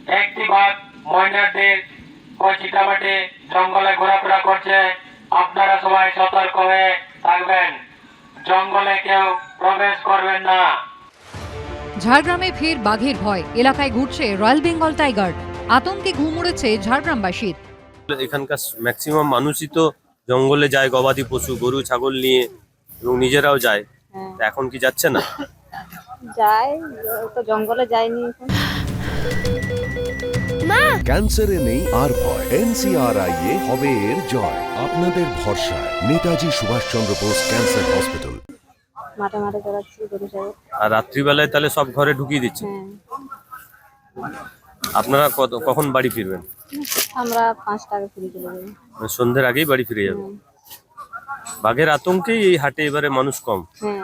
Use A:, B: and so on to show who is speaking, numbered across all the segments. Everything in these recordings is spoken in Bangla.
A: একটি বাঘ ময়নাদের ও চিতামাটি জঙ্গলে ঘোরাফেরা করছে। আপনারা সবাই সতর্ক হয়ে থাকবেন, জঙ্গলে কেউ প্রবেশ করবেন না।
B: ঝাড়গ্রামে ফের বাঘের ভয়, এলাকায় ঘুরছে রয়্যাল বেঙ্গল টাইগার, আতঙ্কে ঘুম উড়েছে ঝাড়গ্রামবাসীর।
C: এখানকার ম্যাক্সিমাম মানুষই তো জঙ্গলে যায় গবাদি পশু গরু ছাগল নিয়ে, এবং নিজেরাও যায়। এখন কি যাচ্ছে না?
D: যায় তো, জঙ্গলে যায়নি এখন।
E: ক্যান্সারে নেই আর ভয়, NCRI এ হবে এর জয়। আপনাদের ভরসা নেতাজি সুভাষচন্দ্র বোস ক্যান্সার হসপিটাল।
D: মাঠে মাঠে চড়াচ্ছি গরু ছাগল।
C: আর রাত্রিবেলায় তাহলে সব ঘরে ঢুকিয়ে দিচ্ছে। আপনারা কখন বাড়ি ফিরবেন?
D: আমরা 5টা আগে ফিরে চলে যাবো।
C: মানে সন্ধ্যের আগেই বাড়ি ফিরে যাবে। বাঘের আতঙ্কেই এই হাটে এবারে মানুষ কম।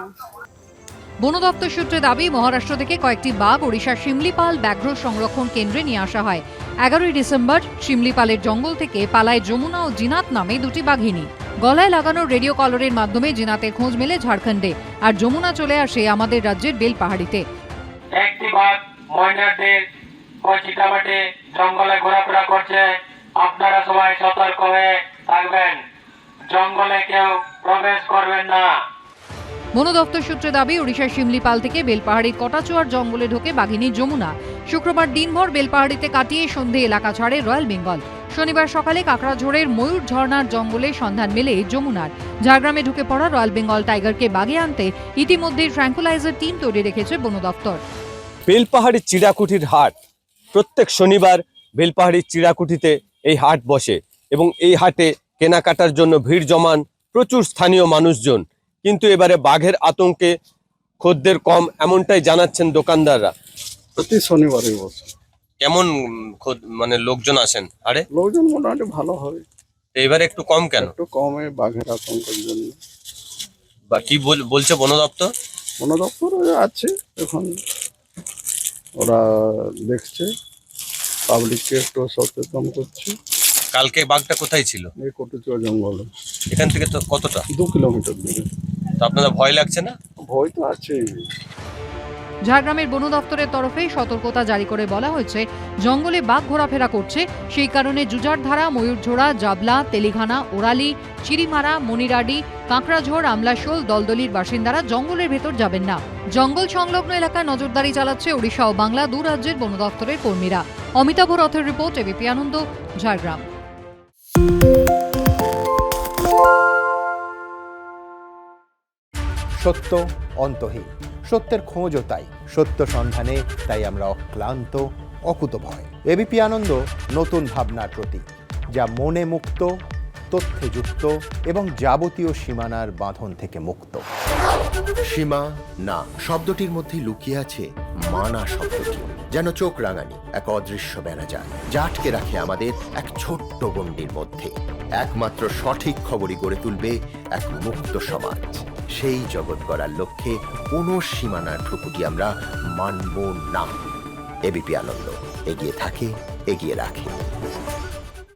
B: বন দপ্তর সূত্রে দাবি, মহারাষ্ট্র থেকে কয়েকটি বাঘ ওড়িশার শিমলিপাল ব্যাঘ্র সংরক্ষণ কেন্দ্রে নিয়ে আসা হয়। 11ই ডিসেম্বর শিমলিপালের জঙ্গল থেকে পালায় যমুনা ও জিনাত নামে দুটি বাঘিনী। গলায় লাগানো রেডিও কলারের মাধ্যমে জিনাতের খোঁজ মেলে ঝাড়খণ্ডে, আর যমুনা চলে আসে আমাদের রাজ্যের বেলপাহাড়িতে।
A: একটি বাঘ ময়নাদের ও চিতামাটি জঙ্গলে ঘোরাফেরা করছে। আপনারা সবাই সতর্ক হয়ে থাকবেন, জঙ্গলে কেউ প্রবেশ করবেন না।
B: বন দপ্তর সূত্রে দাবি, ওড়িশার শিমলিপাল থেকে বেলপাহাড়ির কটাচুয়ার জঙ্গলে ঢোকে বাঘিনী যমুনা। শুক্রবার দিনভর বেলপাহাড়িতে কাটিয়ে সন্ধে এলাকা ছাড়ে রয়্যাল বেঙ্গল। শনিবার সকালে কাকড়াঝোড়ের ময়ূর ঝর্ণার জঙ্গলে সন্ধান মেলে যমুনার। ঝাড়গ্রামে ঢুকে পড়া রয়্যাল বেঙ্গল টাইগারকে বাগে আনতে ইতিমধ্যেই ট্র্যাঙ্কুলাইজার টিম তৈরি রেখেছে বন দপ্তর।
C: বেলপাহাড়ির চিড়াকুঠির হাট প্রত্যেক শনিবার বেলপাহাড়ির চিড়াকুঠিতে এই হাট বসে, এবং এই হাটে কেনাকাটার জন্য ভিড় জমান প্রচুর স্থানীয় মানুষজন। কিন্তু এবারে বাঘের আতঙ্কে খদ্দের কম, এমনটাই জানাচ্ছেন দোকানদাররা।
F: প্রতি শনিবারই বসে।
C: কেমন মানে লোকজন আসেন আরে?
F: লোকজন মোটামুটি ভালো হবে।
C: এবারে একটু কম কেন?
F: একটু কমে বাঘের আতঙ্কের জন্য।
C: বা কি বলছে বন দপ্তর?
F: বন দপ্তর আছে, এখন ওরা দেখছে, পাবলিককে একটু সচেতন করছে।
C: কালকে বাঘটা কোথায় ছিল?
F: এই কটুচুয়া জঙ্গলে।
C: এখান থেকে তো কতটা?
F: 2 কিলোমিটার দূরে।
C: তো আপনাদের ভয় লাগছে না?
F: ভয় তো আছেই।
B: ঝাড়গ্রামের বন দপ্তরের তরফে সতর্কতা জারি করে বলা হয়েছে, জঙ্গলে বাঘ ঘোরাফেরা করছে, সেই কারণে জুজারধারা, ময়ূরঝোড়া, জাবলা, তেলিঘানা, ওরালি, চিরিমারা, মনিরাডি, কাঁকড়াঝোড়, আমলাশোল, দলদলির বাসিন্দারা জঙ্গলের ভেতর যাবেন না। জঙ্গল সংলগ্ন এলাকায় নজরদারি চালাচ্ছে ওড়িশা ও বাংলা দু রাজ্যের বন দপ্তরের কর্মীরা। অমিতাভ রথের রিপোর্ট, এবিপি আনন্দ, ঝাড়গ্রাম।
G: সত্য অন্তহীন, সত্যের খোঁজও তাই, সত্য সন্ধানে তাই আমরা অক্লান্ত, অকুতভয়। এবিপি আনন্দ নতুন ভাবনার প্রতীক, যা মনে মুক্ত, তথ্যে যুক্ত এবং যাবতীয় সীমানার বাঁধন থেকে মুক্ত। সীমা না শব্দটির মধ্যে লুকিয়ে আছে মানা শব্দটি, যেন চোখ রাঙানি এক অদৃশ্য বেড়াজাল, যা আটকে রাখে আমাদের এক ছোট্ট গণ্ডির মধ্যে। একমাত্র সঠিক খবরই গড়ে তুলবে এক মুক্ত সমাজ। সেই জগৎ গড়ার লক্ষ্যে কোনো সীমানার ঠুকুটি আমরা মানব না। এবিপি আনন্দ এগিয়ে থাকে, এগিয়ে রাখে।